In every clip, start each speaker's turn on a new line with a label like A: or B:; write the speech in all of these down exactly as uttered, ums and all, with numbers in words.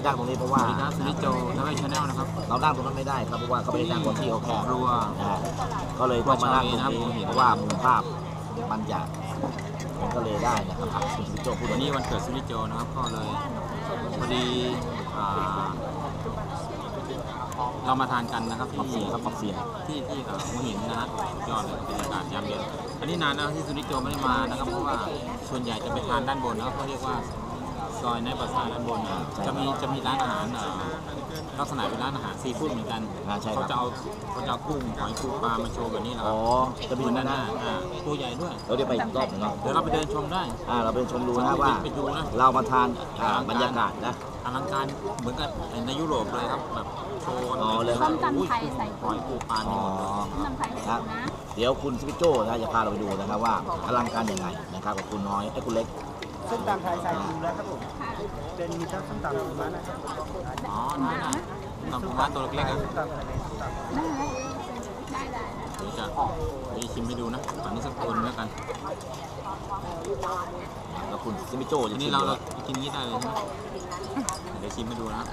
A: นั่งตรงนี้เพราะว่า
B: สนิทโจทำให้ชาแนลนะครับ
A: เรานั่งตรงนั้นไม่ได้ครับเพราะว่าเขาไม่ได้นั่งบนที่เขาแคบ
B: รัว
A: ก็เลยต้องมานั่งตรงนี้เพราะว่ามุมภาพมันจะก็เลยได้นะครับคุณสนิทโจพูด
B: วันนี้วันเกิดสนิทโจนะครับก็เลยพอดีเรามาทานกันนะครับที่
A: ครับขอบเสียง
B: ที่ที่หัวหินนะฮะยอดเลยบรรยากาศยามเย็นอันนี้นานแล้วที่สุนิจโจไม่ได้มานะครับเพราะว่าส่วนใหญ่จะไปทานด้านบนนะครับเขาเรียกว่าซอยในปราสาทด้านบนจะมีจะมีร้านอาหารลักษณะเป็นร้านอาหารซีฟู้ดเหมือนกันเขาจะเอาเขาจะเอากุ้งหอยปูปลามาโชว์แบบนี้แหละอ๋อ
A: จะมี
B: นั่นน่ะตัวใหญ่ด้วย
A: เราเดี๋ยวไปอีกรอบนึงเนาะ
B: เดี๋ยวเราไปเดินชมได้
A: อ่าเราไปชมดูนะว่าเรามาทานบรรยากาศนะ
B: อลังการเหมือนกับในยุโรปเลยครับแบบโชว์
A: เลย
C: ส้มตำไทยใส่
B: หอยปูปลา
A: อ๋อ
C: ส้มตำไทยใส่นะ
A: เดี๋ยวคุณสปิโจ้นะจะพาเราไปดูนะครับว่าอลังการยังไงนะครับกับคุณน้อยไอ้คุณเล็ก
D: ส้มตำไทยใส่ปูแล้วครับผมเป็นมีทั้งส้มตำปูม้านะครับ
B: อ๋อนั่นน่ะส้มตำปูม้าตัวเล็กๆอ่ะ
C: ได้ได้ได้
B: นี่จะมีชิมให้ดูนะตอนนี้สักคนแล้วกัน
A: แล้วคุณสปิโจ้
B: ทีนี้เราเรากินนี้ได้เลยใช่ไหมเดี๋ยวชิมให้ดูนะครับ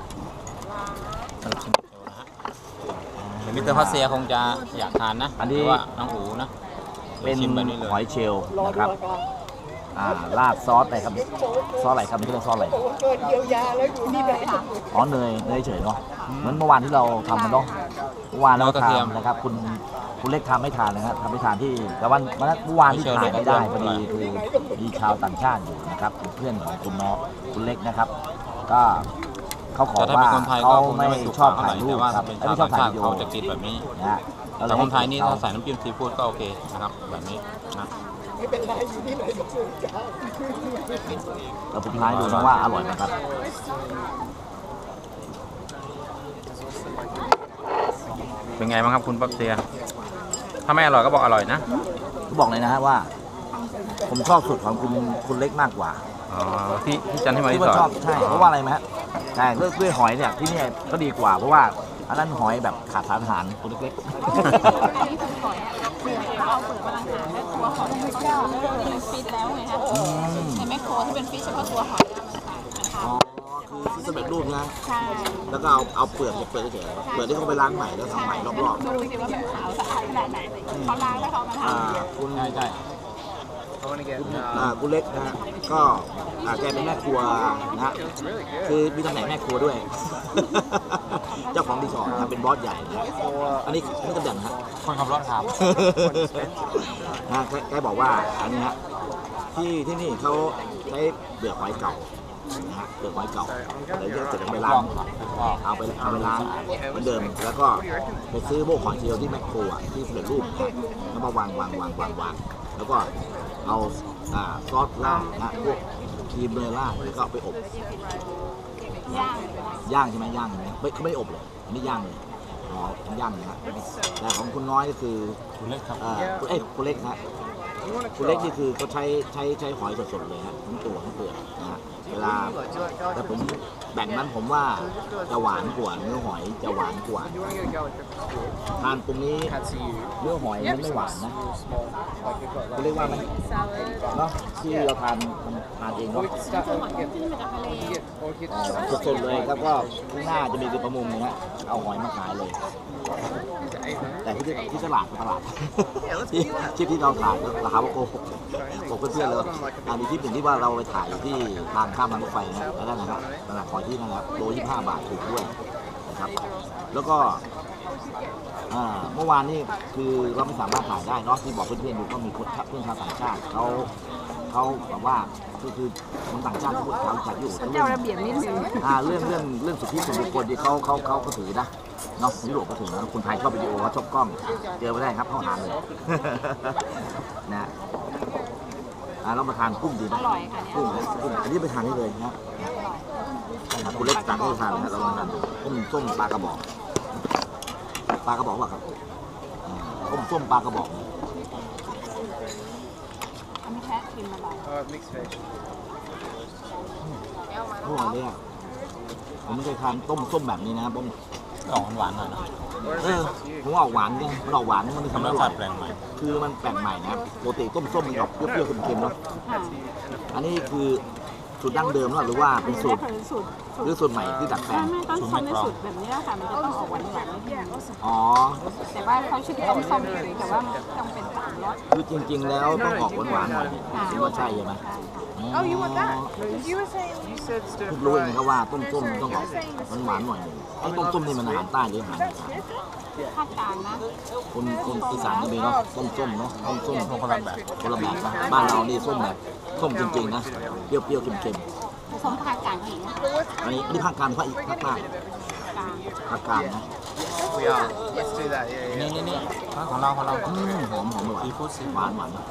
B: มิสเตอร์พัสเซียคงจะอยากทานนะอันนี้ว่าน้องอูนะ
A: เป็นหอยเชลล์นะครับอ่าราดซอสอะไรครับซอสอะไรครับนี่เรียกซอสอะไรอ๋อเนยเนยเฉยเนาะเหมือนเมื่อวานที่เราทำกันเนาะเมื่อวานเราทำนะครับคุณคุณเล็กทำไม่ทานนะครับทำไม่ทานที่แต่วันเมื่อวานที่ทานไม่ได้พอดีคือมีชาวต่างชาติอยู่นะครับเป็นเพื่อนของคุณน้องคุณเล็กนะครับก็เขาขอว่าเขาไม่ชอบถ่ายรูปครับไม่ชอบถ่ายวิดีโอ
B: จะกินแบบนี้นะแต่คนไทยนี่ถ้าใส่น้ำจิ้มซีฟู้ดก็โอเคนะครับแบบนี้นะ
D: ไม่เป็นไรอยู่ที่ไหนก็สูงจ้า
A: เราสุดท้ายดูนะว่าอร่อยไหมครับ
B: เป็นไงบ้างครับคุณปั๊บเซียถ้าไม่อร่อยก็บอกอร่อยนะ
A: ก็บอกเลยนะฮะว่าผมชอบสูตรของคุณคุณเล็กมากกว่า
B: อ๋อที่ที่จันที่มาที่ส
A: อนชอบใช่เพราะว่าอะไรไหมฮะใช่เรื่องด้วยหอยเนี่ยที่นี่ก็ดีกว่าเพราะว่าอันนั้นหอยแบบขาดสารอาหารตัวเล็กๆ
C: อันนี้คือหอยอ่ะเปลือกเอาเปลือกพลังงานและตัวหอยที่เป็นฟิตแล้วไงฮะในแมคโครที่เป็นฟิตเฉพาะตัวหอย
A: อ๋อคือที่สำเร็จรูปนะใช่แล้วก็เอาเอาเปลือกเปลือกเฉยเปลือกที่เขาไปล้างใหม่แล้วทำใหม่รอบ
C: ๆดูสิว่ามันขาวสะอาดขนาดไหนเขาล้างแล้วเขามาท
A: ำคุณ
B: ใช่ใช่
A: คุณเล็กนะก็แกเป็นแม่ครัวนะคือมีตำแหน่งแม่ครัวด้วยเจ้าของรีสอร์ทเป็นบอสใหญ่นะอันนี้นี่ตำแหน่งฮะ
B: คนขับรถครับ
A: นะแกบอกว่าอันนี้ฮะที่ที่นี่เขาใช้เปลือกหอยเก่านะฮะเปลือกหอยเก่าแล้วจะเสร็จไปล้างเอาไปเอาไปล้างเหมือนเดิมแล้วก็ไปซื้อพวกหอยเชลล์ที่แมคโครที่สำเร็จรูปแล้วมาวางวางวางวางวางแล้วก็เอาซอสราดนะพวกครีมเนยราดแล้วก็ไปอบ
C: ย่าง
A: ย่างใช่ไหมย่างไม่เขาไม่อบเลยอันนี้ย่างเลยอ๋อย่างนะฮะแต่ของคุณน้อยก็คือ
B: คุณเล็กครับ
A: เอ้ยคุณเล็กนะคุณเล็กนี่คือเขาใช้ใช้ใช้หอยสดๆเลยฮะทั้งตัวทั้งเปลือกนะฮะเวลาแต่ผมแบ่งนั้นผมว่าจะหวานกว่าเนื้อหอยจะหวานกว่าทานตรงนี้เนื้อหอยมันไม่หวานนะเขาเรียกว่ามันเนาะที่เราทานทานเองเนาะสดๆเลยแล้วก็ข้างหน้าจะมีคือประมุงนะฮะเอาหอยมาขายเลยแต่ที่ที่ตลาดตลาดที่ที่ที่เราถ่ายราคาโกหกบอกเพื่อนๆเลยอันนี้ที่เป็นที่ว่าเราไปถ่ายที่ทางข้ามทางรถไฟนะแล้วนั่นนะครับตลาดหอยที่นั่นนะครับโลยี่สิบห้าบาทถูกด้วยนะครับแล้วก็เมื่อวานนี้คือเราไม่สามารถถ่ายได้เนาะที่บอกเพื่อนๆดูก็มีคนเพื่อนชาวต่างชาติเขาเขาแบบว่าคือคือคนต่างชาติที่พูดเขาจัดอยู่
C: เจ้าระเบียบนิดนึง
A: เรื่องเรื่องเรื่องสิทธิส่วนบุคคลที่เขาเขาเขาก็ถือนะเนาะยุโรปก็ถือนะคนไทยชอบวิดีโอเขาชอบกล้องเจอไม่ได้ครับเข้าหาเลยนะเรามาทานกุ้งดีไหม
C: อร่อยค่ะ
A: กุ้งกุ้งอันนี้ไปทานได้เลยนะคุณเล็กสั่งให้ทานนะเราทานต้มส้มปลากระบอกปลากระบอกว่าครับต้มส้มปลากระบอก
C: อันนี้แค่กินมาบ่อย
A: อร่อยเลยอ่ะผมไม่เคยทานต้มส้มแบบนี้นะครับผม
B: ออกหวานหน่อยนะ
A: เออผมออกหวานเนี่ยมันออกหวานมันทำให้อร่อย
B: แปลงใหม่
A: คือมันแปลกใหม่นะครับปกติต้มส้มมันออกเปรี้ยวๆเค็มๆเนาะอันนี้คือสูตรดั้งเดิมหรือว่าเป็นสูตร
C: สูตร
A: หรือสูตรใหม่ที่ดัดแปล
C: ไม่
A: ง
C: ไม่ต้นส้มในสูตรแบบนี้แหละค่ะมันจะต้องออกหวานหวานนิดนึง
A: อ๋อ
C: แต่ว่าเขาชื่อต้มส้มเฉยแต่ว่าต้องเป็นสามรส
A: คือจริง ๆ แล้วต้องออกหวานๆหน่อยถึงว่าใช่ใช่ไหม
E: Oh, you want that? You were saying.
D: You said stir
A: เพิ่งรู้เองครับว่าต้มส้มมันต้องออกหวานๆหน่อยหนึ่งไอ้ต้มส้มนี่มันอาหารใต้หรืออาหารอีสาน
C: ภาคกลางนะ
A: คนคนอีสานก็มีเนาะต้มส้มเนาะต้มส้ม
B: คนละแบบ
A: คนละแบบนะบ้านเรานี่ส้มแบบส้มจริงๆนะเปรี้ยวๆเค็ม
C: ผสมภาคกลางอีกนะ
A: ๆอันนี้อันนี้ภาคกลางภาคอีกภาคใต้
C: กลาง
A: ภาคกลางนะ
D: We are. Let's do that. Yeah, yeah.
B: นี่นี่นี่ของเราของเรา
A: อืมหอมหอมอร่อย
B: ซีฟู้ดซี
A: หวานหวาน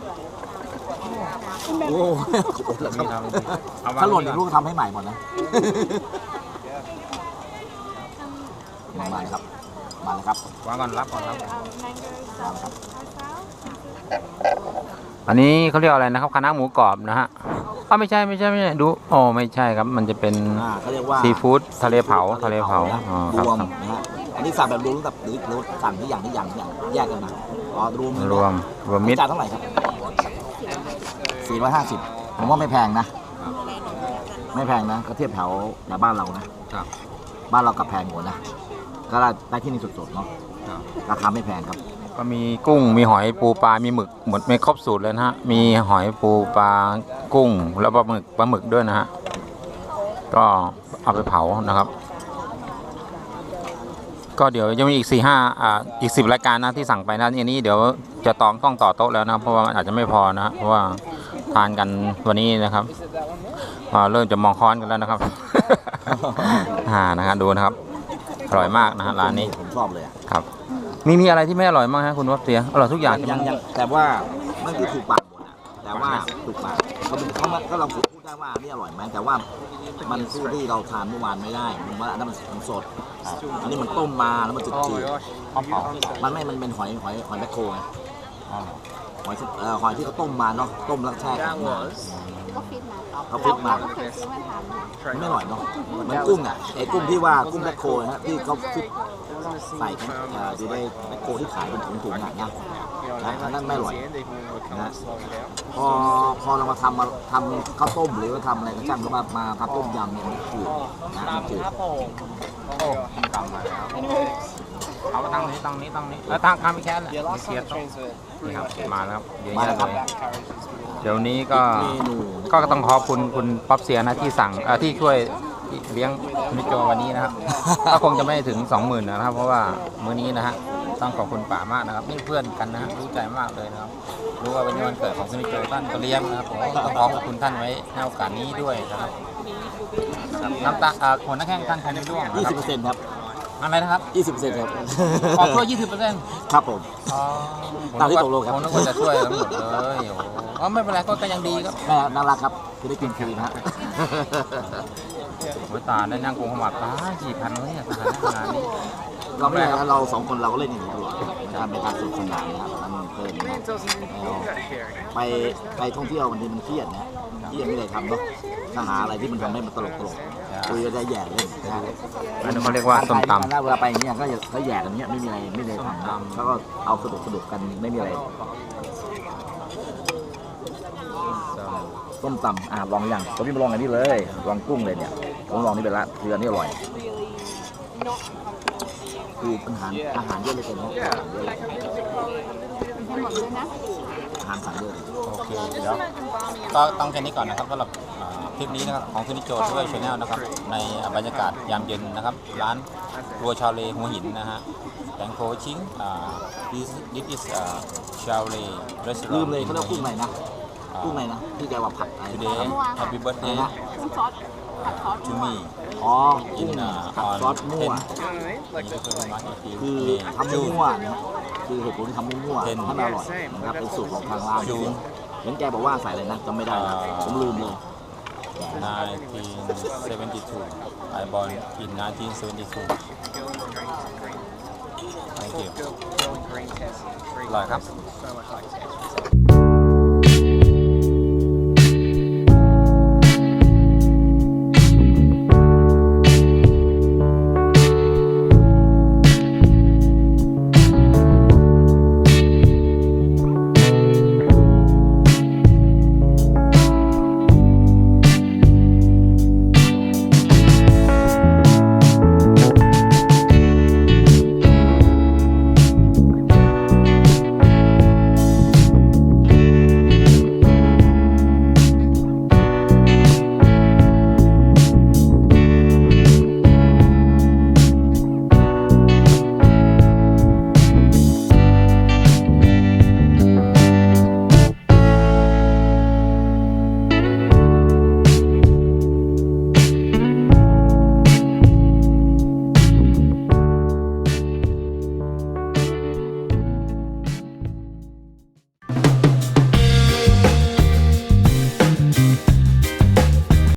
A: โอ้
B: มีเราเอา
A: ถ้าหล่นอีกลูกทำให้ใหม่หมดนะมาเลยครับมาเลยครับ
B: วางก่อนรับก่อนรับ
A: มาเลยครับ
B: อันนี้เขาเรียกอะไรนะครับคณะหมูกรอบนะฮะอ๋อไม่ใช่ไม่ใช่ไม่ใช่ดูอ๋อไม่ใช่ครับมันจะเป็น
A: อ่าเขาเรียกว่า
B: ซีฟู้ดทะเลเผาทะเลเผา
A: นะ
B: อ๋อครับ
A: รวม
B: ครับ
A: นะฮะอันนี้สั่งแบบรวมกับหรือหรือสั่งที่อย่างที่อย่างที่อย่างแยกกันมาอ๋อรวมเลยนะ
B: รวมรวมมิตร
A: จานเท่าไหร่ครับสี่ร้อยห้าสิบผมว่าไม่แพงนะ ไม่แพงนะก็เทียบแถวแถวบ้านเรานะครับ บ้านเรากับแพงกว่านะก็ได้ได้ที่นี่สดๆเนาะ
B: ครับ
A: ราคาไม่แพงครับ
B: ก็มีกุ้งมีหอยปูปลา มีหมึกหมดไม่ครบสูตรเลยนะฮะ มีหอยปูปลากุ้งแล้วปลาหมึกปลาหมึกด้วยนะฮะ ก็เอาไปเผานะครับ ก็เดี๋ยวจะมีอีกสี่ห้าอ่าอีกสิบรายการนะที่สั่งไปนะอันนี้เดี๋ยวจะตองต้องต่อโต๊ะแล้วนะเพราะว่ามันอาจจะไม่พอนะเพราะว่าทานกันวันนี้นะครับอ่าเริ่มจะมองค้อนกันแล้วนะครับ อ่านะฮะดูนะครับอร่อยมากนะฮะร้านนี้
A: ผมชอบเลยอะ
B: ครับมีมีอะไรที่ไม่อร่อยบ้างฮะคุณวับเสียอร่อยทุกอย่างใช่ไหม
A: ยังยังแต่ว่ามันคือถูกปากหมดอะแต่ว่าถูกปากเขาเป็นเขาก็เราพูดได้ว่านี่อร่อยไหมแต่ว่ามันสู้ที่เราทานเมื่อวานไม่ได้มันว่าอันนั้นมันสดอันนี้มันต้มมาแล้วมันจืด
D: Oh
A: จื
D: my
A: ด
D: gosh.
B: เอาเผา
A: มันไม่มันเป็นหอยหอยหอยแมคโครไงหอยเอ่อหอยที่เขาต้มมาเนาะต้มแล้วแช่แข็
D: That
A: งมา
D: was.
C: ก็ฟิตมา
A: เขาฟิตมา
C: เราก็เคยซื้อมาทำ
A: มันไม่อร่อยเนาะเหมันกุ้งอ่ะไอ้กุ้งที่ว่ากุ้งแมคโครนะฮะที่เขาฟิตใส่กันเอ่ออยู่ในแมคโครที่ขายเป็นถุงๆอ่ะนะ
D: You know,
A: and then
D: towards
A: mellow.
D: the end, even when we're kind of slowing down.
A: พอพอเรามาทำมาทำข้าวต้มหรือว่าทำอะไรก็ช่างก็มามาทำต้มยำเนี่ยมันจืดนะมันจืด
B: โอ้กำมาแล้วเอามาตั้งนี้ตั้งนี้ตั้งนี้แล้วตั้งข้ามไปแค่นั้น
D: Yeah,
B: ไม่
D: last
B: เคลีย
D: time
B: ร์
D: the
B: โต๊ะ
D: trains were
B: นี่
D: pretty
B: ครับ
D: much
B: มาแล้วครับเยอะ
A: มา
B: แยะ
A: แล้ว
B: เล
A: ครับ
B: ย
D: that carriage is really
B: เดี๋ยวนี้ก็
A: เมนู
B: ก็ต้องขอบคุณคุณป๊อปเสียนะที่สั่งเอ่อที่ช่วยเลี้ยงมิโจวันนี้นะครับ ก็คงจะไม่ถึงสองหมื่นนะครับ เพราะว่ามื้อนี้นะฮะต้องขอบคุณป่ามากนะครับนี่เพื่อนกันนะฮะรู้ใจมากเลยนะครับรู้ว่าเป็นวันเกิดของคุณมิโจท่านก็เลี้ยงนะครับผมต้องขอขอบคุณท่านไว้ในโอกาสนี้ด้วยนะครับครับน้ำตาเอ่อผลนักแข่งท่านใครไม่ร่วงนะ
A: ยี่
B: ค
A: สิ
B: รั
A: บบ เปอร์เซ็นต์ครับ
B: อะไรนะครับ
A: ยี่สิบเปอร์เซ็นต์ครับ
B: ขอช่วยยี่สิบเปอร์เซ็นต์
A: ครับผม
B: อ๋อ
A: ตามที่ตกลงครับ
B: ผมนึกว่าจะช่วยทั้งหมดเลยโอ้โหอ๋อไม่เป็นไรก็ก็ยังดีครับ
A: แม่น่ารักครับคือได้กินฟรีนะฮะ
B: โอ้ยตาได้นั่งกงขมับตากี่พันวะเนี่ยสถานการณ์นี้
A: เราไม่ได้เราสองคนเราก็เล่นอย่างนี้ตลอดนะครับเป็นการสนุกสนานนะครับมันเพลินนะ
D: Man doesn't even look that caring.
A: ไปไปท่องเที่ยวบางทีมันเครียดนะเครียดไม่ได้ทำเนาะถ้าหาอะไรที่มันทำให้มันตลกตลกๆคุยกันได้แย่เล่นนะ
B: อันนี้เขาเรียกว่าส้มตำ
A: เวลาไปอย่างเงี้ยก็จะเขาแย่กันเนี้ยไม่มีอะไรไม่มีอะไรทำนะเขาก็เอาสนุกสนุกกันไม่มีอะไรต้มตำอ่ะลองอย่างผมพี่มาลองอันนี้เลยลองกุ้งเลยเนี่ยผมลองนี่ไปละคืออันนี้อร่อยคืออาหารอาหารเยอะเลยเกินอาหารเยอะเลย
C: ให้หมดเลยนะ
A: อาหารสั่งเยอะ
B: โอเคเดี๋ยวก็ต้องแค่นี้ก่อนนะครับสำหรับอ่าคลิปนี้นะครับของคุณนิโจช่วยชาแนลนะครับในบรรยากาศยามเย็นนะครับร้านครัวชาวเลหัวหินนะฮะแตงโคชิงอ่า this this is อ่าชาวเล
A: ลื
B: restaurant
A: มเลยเขาเรียกกุ้งอะไรนะกุ้งอะไรนะที่แกว่าผัดอะไร
B: today
A: นะ
B: happy birthday
C: น้ำซอสผัดซอส
B: to me
A: อ๋อกุ้
B: in
A: ง
B: uh,
A: ผัด
B: on
A: ซอสมั่ว
D: You know what I mean? Like,
B: นี่ก็คือมาอีกที
A: คือทำมั่วๆนะคือเหตุผลที่ทำมั่วๆให้มันอร่อยนะครับเป็นสูตรของทางร้านเห็นแกบอกว่าใส่อะไรนะจำไม่ได้นะผมลืมเลย
B: nineteen seventy-two I born in nineteen seventy-two thank you
D: girl, girl in green test.
B: อร่อยครับ
D: So much like test.